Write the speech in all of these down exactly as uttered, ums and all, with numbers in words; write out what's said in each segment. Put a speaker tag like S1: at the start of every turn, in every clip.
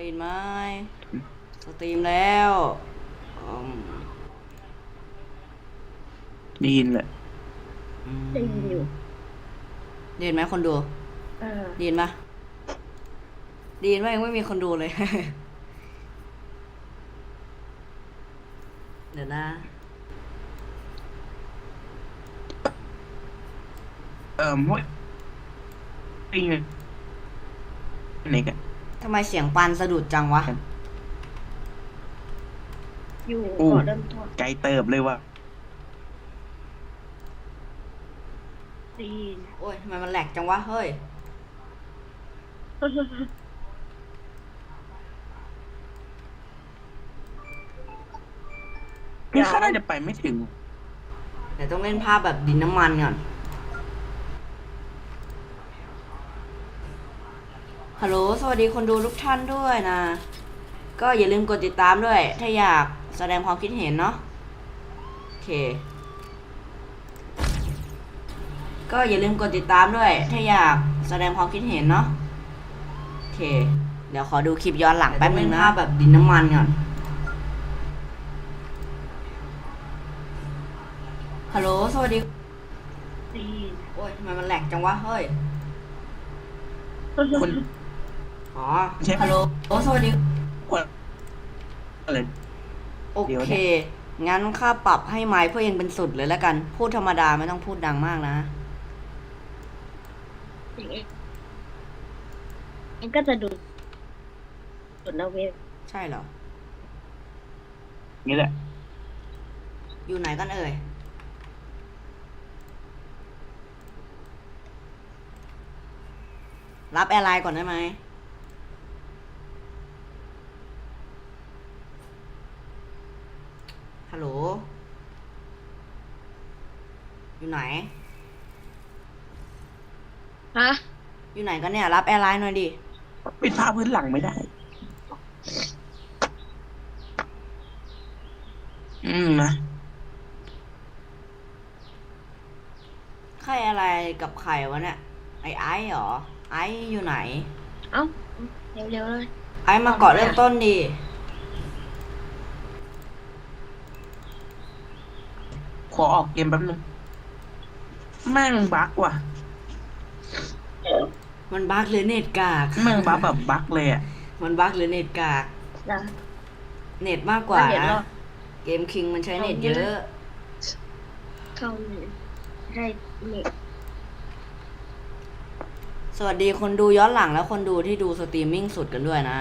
S1: ยินไหมสตรีมแล้วอืม
S2: ได้ยินแหละ
S1: อื
S3: ได้ยินอยู่
S1: มได้ยินไหมคนดู
S3: เออ
S1: ได้ยินปะได้ยินว่ายังไม่มีคนดูเลย เดี๋ยวนะ
S2: เอ่อมวยปิงไหนกัน
S1: ทำไมเสียงปันสะดุดจังวะ
S3: อยู่
S2: อู้
S3: ก่อนเริ่มต้น
S2: ไกลเติบเลยว่ะ
S3: ได้ยิน
S1: โอ้ยทำไมมันแหลกจังวะเฮ้ย
S2: นี่ข้าน่าจะไปไม่ถึง
S1: เดี๋ยวต้องเล่นภาพแบบดินน้ำมันก่อนฮัลโหลสวัสดีคนดูทุกท่านด้วยนะก็อย่าลืมกดติดตามด้วยถ้าอยากแสดงความคิดเห็นเนาะโอเคก็อย่าลืมกดติดตามด้วยถ้าอยากแสดงความคิดเห็นเนาะโอเคเดี๋ยวขอดูคลิปย้อนหลังแป๊บนึงนะแบบดินน้ำมันก่อนฮัลโหลสวัสดี
S3: ได้ยิน
S1: โอ้ยทำไมมันแหลกจังวะเฮ้ย
S2: คน
S1: อ๋อ
S2: ใช่
S1: ฮัลโหลโอ้สวัสดี
S2: คนอะไร
S1: โอ
S2: เดี๋ยว
S1: เค
S2: เนี่ย
S1: งั้นค่าปรับให้ไมค์เพื่อยังเป็นสุดเลยแล้วกันพูดธรรมดาไม่ต้องพูดดังมากนะ
S3: อย่างเองเองก็จะดูสุดนะเว็บ
S1: ใช่เหรอ
S2: นี่แหละ
S1: อยู่ไหนกันเอ่ยรับแอร์ไลน์ก่อนได้ไหมฮัลโหลอยู่ไหน
S3: ฮะ
S1: อยู่ไหนกันเนี่ยรับแอร์ไลน์หน่อยดิ
S2: ปิดผ้าพื้นหลังไม่ได้อืมนะ
S1: ใครอะไรกับใครวะเนี่ยไอไอซ์เหรอไอซ์อยู่ไหน
S3: เอ้าเร็วๆเลย
S1: ไอซ์มาเกาะเริ่มต้นดิ
S2: ขอออกเกมแป๊บนึงแม่งบั๊กว่ะ
S1: มันบั๊กหรือเน็ตกาก
S2: แม่งบั๊กแบบบั๊กเลยอ่ะ
S1: มันบั๊กหรือเน็ตกาก
S3: นะ
S1: เน็ตมากกว่า
S3: เดี๋ยว
S1: นะ
S3: รอ
S1: เกมคิงมันใช้เน็ตเยอะ
S3: เข้าเลยได้เน็ต
S1: สวัสดีคนดูย้อนหลังและคนดูที่ดูสตรีมมิ่งสุดกันด้วยนะ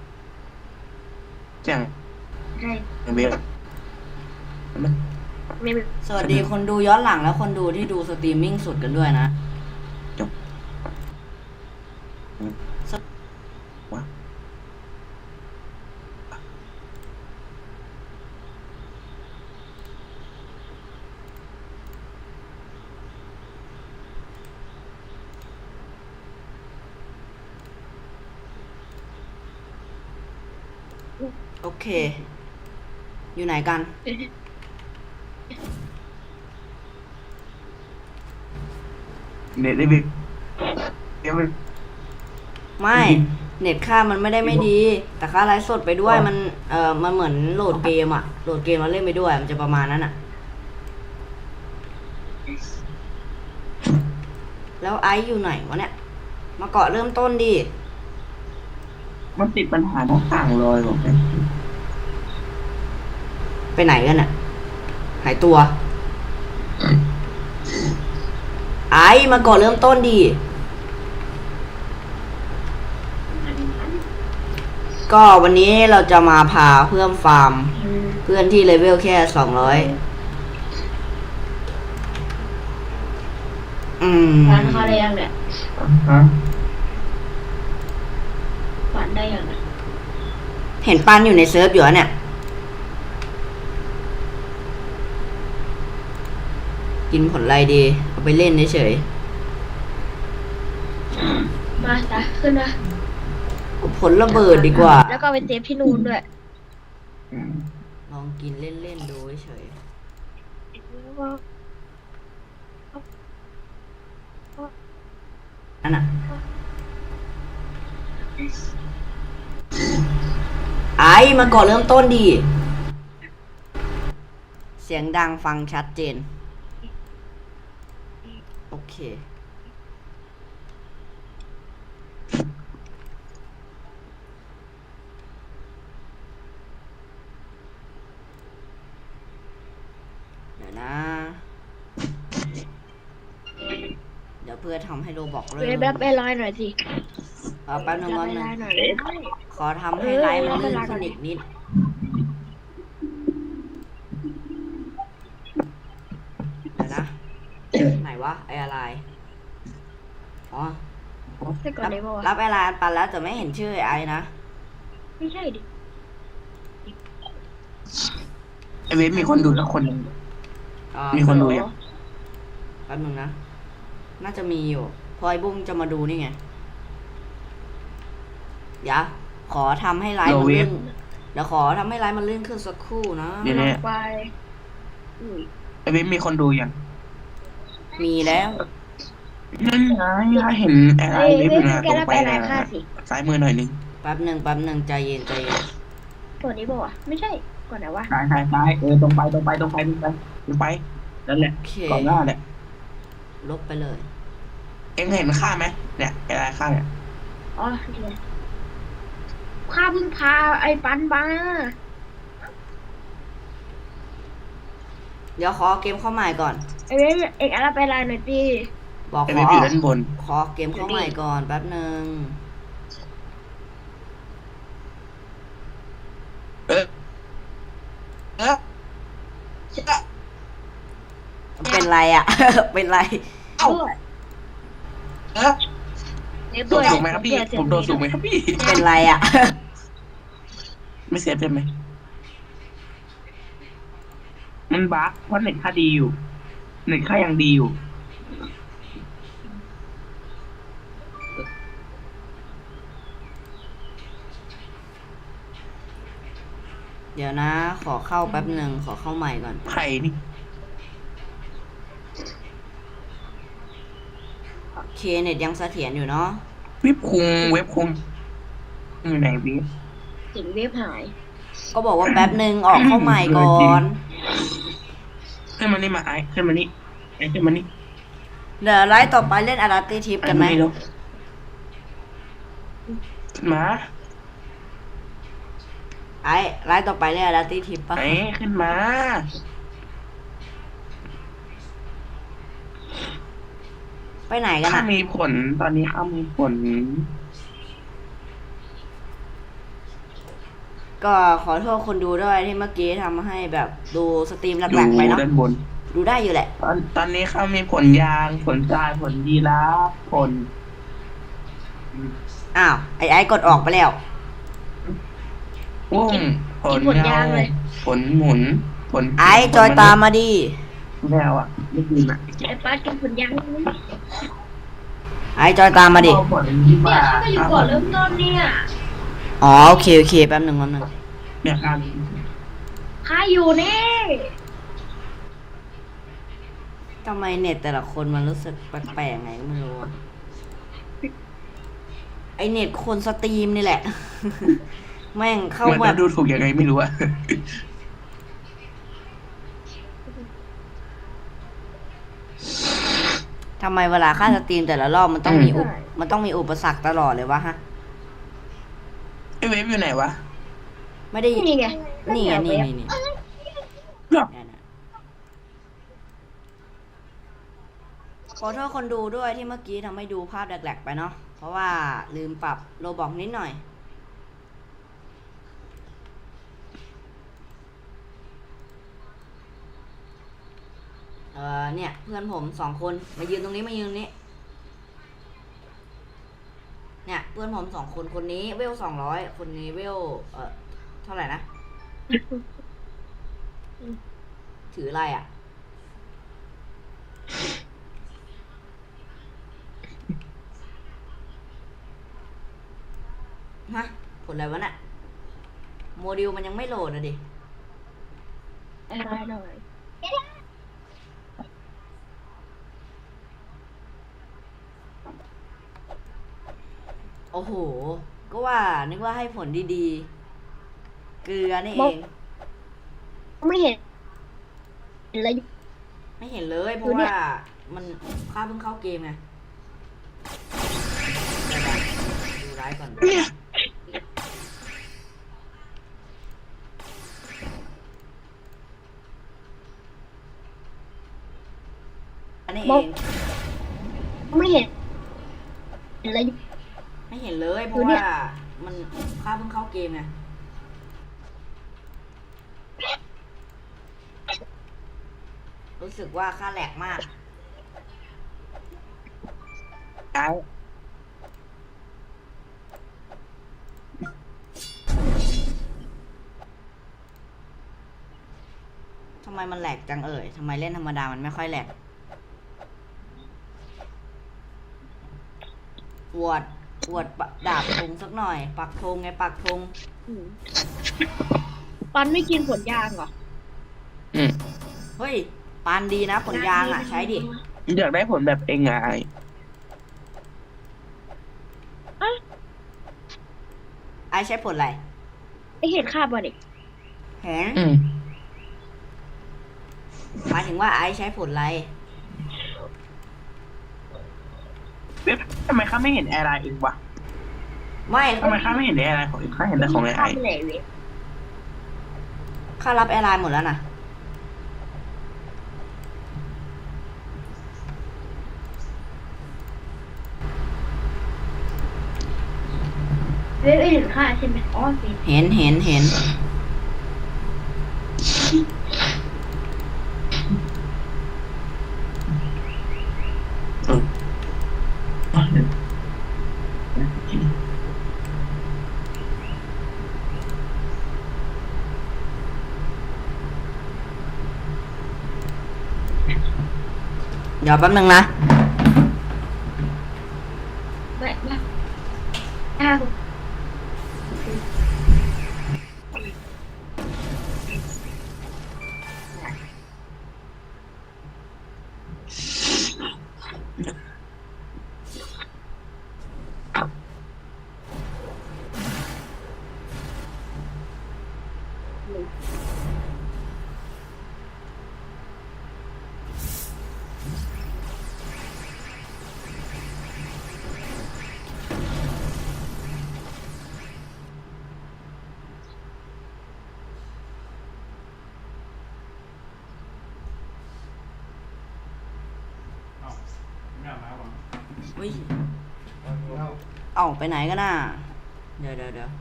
S2: จัง
S3: ได้
S2: เว็บ
S3: ไม่เป็น
S1: สวัสดีคนดูย้อนหลังและคนดูที่ดูสตรีมมิ่งสุดกันด้วยนะ
S2: จบวะ
S1: โอเค อยู่ไหนกัน
S2: เน็ตได้บิ๊กเดี๋ยวมัน
S1: ไม่ เน็ตค่ามันไม่ได้ไม่ดี แต่ค่าไลฟ์สดไปด้วยมัน เอ่อ มันเหมือนโหลดเกมอะโหลดเกมแล้วเล่นไปด้วย มันจะประมาณนั้นอะแล้วไอซ์อยู่ไหนวะเนี่ย มาเกาะเริ่มต้นดิ
S2: มันติดปัญหาทั้งต่างลอยบอกเลย
S1: ไปไหนกันอะหายตัว ไอซ์มาเกาะเริ่มต้นดิ ก็วันนี้เราจะมาพาเพื่อนฟาร์ม เพื่อนที่เลเวลแค่สองร้อยอืม
S3: ร้านเขาได้ยังเนี่ย
S2: ฮะ
S3: ฝันได้ยังเนี่ย
S1: เห็นปันอยู่ในเซิร์ฟอยู่อะเนี่ย กินผลอะไรดี เอาไปเล่นเฉย
S3: มาตาขึ้นมา
S1: ๆเอาผลระเบิดดีกว่า
S3: แล้วก็ไปเซฟที่นู่นด้วย
S2: อืม
S1: ลองกินเล่นๆดูเฉยๆนั่นน่ะไอ้มาก่อนเริ่มต้นดี เสียงดังฟังชัดเจน โอเค เดี๋ยวนะ เดี๋ยวเพื่อทำให้โรบอกเริ่
S3: เว็บ
S1: ม
S3: รับไปลอยหน่อยสิ
S1: เออแป๊บนึง
S3: รั
S1: แป๊
S3: บบ ไป
S1: นึ
S3: ล
S1: ง
S3: อยหน่อย
S1: ขอทำให้ไลฟ์มันลื่นขึ้นอีกนิด เดี๋ยวนะ ไหนวะ ไออะไร อ๋อ
S3: แต่ก่อนได้บอก
S1: รับไอไลน์ปันแล้วแต่ไม่เห็นชื่อไอนะ
S3: ไม่ใช่ดิ
S2: ไอเว็บมีคนดูแล้วคนหนึ่ง
S1: อ่า
S2: มีคนดูยัง
S1: แป๊บนึงนะ น่าจะมีอยู่เพอไอบุ้งจะมาดูนี่ไง เดี๋ยวขอทำให้ไลฟ์มันลื่น เดี๋ยวขอทำให้ไลฟ์มันลื่นขึ้นสักครู่นะ
S2: เดี๋ยวนี้
S3: ไปอืม
S2: ไอเว็บมีคนดูยัง
S1: มีแล้ว
S2: นั่นไงถ้าเห็นไอไล
S3: เอ้ย
S2: น์เว็บ
S3: เว็
S2: อบ ยู่นะ
S3: แก
S2: ตรง
S3: รับ
S2: ไป
S3: ไปลอ
S2: นะ
S3: ยค่าสิ
S2: ซ้ายมือหน่อยนึง
S1: แป๊บหนึ่งแป๊บหนึ่งใจเย็นใจเย็น
S3: ตัวนี้บอกว่าไม่ใช่ ก่อนไหนวะ
S2: ซ้ายซ้ายซ้ายเออตรงไปตรงไปตรงไปตรงไปตรงไปนั่นแหละ
S1: โอเค
S2: ก่อนหน้าเนี่ย
S1: ลบไปเลย
S2: เอ็งเห็นค่าไหมเนี่ยไอไลน์ค่าเนี่ย
S3: อ๋อนี่ไงข้าเพิ่งพาไอ้ปันมา
S1: เดี๋ยวขอเกมเข้าใหม่ก่อน
S3: ไอ้เว็บเอกรับไปลอยหน่อยสิ
S1: บอก
S2: ไอ
S1: ข
S2: เว็
S1: อบ
S2: อยู่ด้านบน
S1: ขอเกมเข้าใหม่ก่อนแป๊บหนึ่ง
S2: เออเออ
S1: เป็นไรอ่ะ เป็นไร
S2: เอ้า
S3: ด้วย
S2: เออ
S3: เว็บ
S2: โด
S3: ด้ว
S2: น
S3: ย
S2: สูงไหมครับพี่ ผมโดนสูงไหมครับพี่
S1: เป็นไรอ่ะ
S2: ไม่เซฟใช่ไหม มันบั๊กเพราะเน็ตค่าดีอยู่ เน็ตค่ายังดีอยู่
S1: เดี๋ยวนะ ขอเข้าแป๊บหนึ่งขอเข้าใหม่ก่อน
S2: ไผ่นี่
S1: โอเคเน็ตยังเสถียรอยู่เนาะ
S2: เว็บคุงเว็บคุงอยู่ไหนพี่
S3: เสียงเว็บหาย
S1: ก็บอกว่าแป๊บหนึ่งออกเข้าใหม่ก่อน
S2: ขึ้นมานี่มาไอ้ขึ้นมานี่ไอ้ขึ้นมานี่
S1: เดี๋ยวไลฟ์ต่อไปเล่นอาราติทิปกันไหม
S2: อ้าเร็วขึ้นมา
S1: ไอ้ไลฟ์ต่อไปเล่นอาราติทิปปะ
S2: ไอ้ขึ้นมา
S1: ไปไหนกัน
S2: ข้า
S1: อ่ะ
S2: มีผล ตอนนี้ข้ามีผล
S1: ก็ขอโทษคนดูด้วยที่เมื่อกี้ทำให้แบบดูสตรีม
S2: อ
S1: แหล
S2: ยู่
S1: กๆไปเนาะ
S2: ด้านบน
S1: ดูได้อยู่แหละ
S2: ตอนตอนนี้ข้ามีผลยาง ผลทราย ผลยีราฟผล
S1: อ้าว ไอ้ไอ้กดออกไปแล้ว
S2: อุ้มผล
S3: กินผลยางเลย
S2: ผลหมุน ผล
S1: ไอ้จอยตามมาดิ
S2: แมวอ่ะ ไม่กินอ่ะ
S3: ไอ้ปันกินผลยางนี่
S1: ไอ้จอยตามมาดิ
S2: เอาผลที่
S3: เนี่
S2: มาย
S3: เขาก็อยู่ก่อนเริ่มต้นเนี่ย
S1: อ๋อโอเคโอเคแป๊บหนึ่งแป๊บหนึ่ง
S2: เนี่ยการ
S3: ข้าอยู่นี่
S1: ทำไมเน็ตแต่ละคนมันรู้สึกแปลกๆไงก็ไม่รู้อะไอเน็ตคนสตรีมนี่แหละ แม่งเข้า
S2: เหมือน
S1: แบ
S2: จะ
S1: บ
S2: ดูถูกยังไงไม่รู้อะ
S1: ทำไมเวลาค่าสตรีมแต่ละรอบมันต้องมีอุปมันต้องมีอุปสรรคตลอดเลยวะฮะ
S2: ไอเว็บอยู่ไหนวะ
S1: ไม่ได้
S3: นี่ไง
S1: นี่ไงนี่นี่นี่
S2: หรอ
S1: เนี่ยนะขอโทษคนดูด้วยที่เมื่อกี้ทำให้ดูภาพแหลกๆไปเนาะ เพราะว่าลืมปรับโลบอกนิดหน่อย เออเนี่ย เพื่อนผมสองคนมายืนตรงนี้มายืนตรงนี้ เนี่ย เพื่อนผมสองคนคนนี้เวลสองร้อยคนนี้เวลเออเท่าไหร่นะ ถืออะไรอ่ะ ฮะ ผลอะไรวะน่ะ โมดิวมันยังไม่โหลดนะดิ
S3: อะไรหน่อย
S1: โอ้โห ก็ว่านึกว่าให้ผลดีเกลือนี่เอง
S3: ไม่เห็นอะไร
S1: ไม่เห็นเลยเพราะว่ามันข้าเพิ่งเข้าเกมไงเดี๋ยวนะดูร้ายก่อน
S2: เนี่ย
S1: อันนี้เอง
S3: ไม่เห็นอะไร
S1: ไม่เห็นเลยเพราะว่ามันข้าเพิ่งเข้าเกมไงรู้สึกว่าข้าแหลกมาก
S2: ไอ้
S1: ทำไมมันแหลกจังเอ่ยทำไมเล่นธรรมดามันไม่ค่อยแหลกอวดอวดปะดาบธงสักหน่อย ปักธงไงปักธง
S3: อืมปันไม่กินผลยางเหรอ
S2: อืม
S1: เฮ้ยปานดีนะผลยางอ่ะ ใช้ดิ
S2: อยากได้ผลแบบเองไง
S1: ไอใช้ผลอะไร
S3: ไอเห็นคาบมาเด็ก
S1: เห็น
S2: อืม
S1: หมายถึงว่าไอใช้ผลอะไร
S2: เว็บทำไมข้าไม่เห็นแอร์ไลน์เองวะ
S1: ไม่
S2: ทำไมข้าไม่เห็นแอร์ไลน์ของเองข้าเห็นแต่ของไอ้
S3: คา
S2: ไอ้
S3: บไหนเว้ย
S1: ค่ารับแอร์ไลน์หมดแล้วนะ
S3: เว้ยเห็นค่าใช่ไหมอ๋อสิ
S1: เห็นเห็นเห็น เดี๋ยวแป๊บนึงนะ
S3: ไม่ไม่อ้าว
S1: อุ้ย เอ้าไปไหนกันน่ะ เดี๋ยวเดี๋ยวเดี๋ยว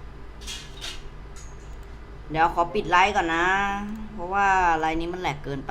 S1: เดี๋ยวขอปิดไลฟ์ก่อนนะ เพราะว่าไลฟ์นี้มันแหลกเกินไป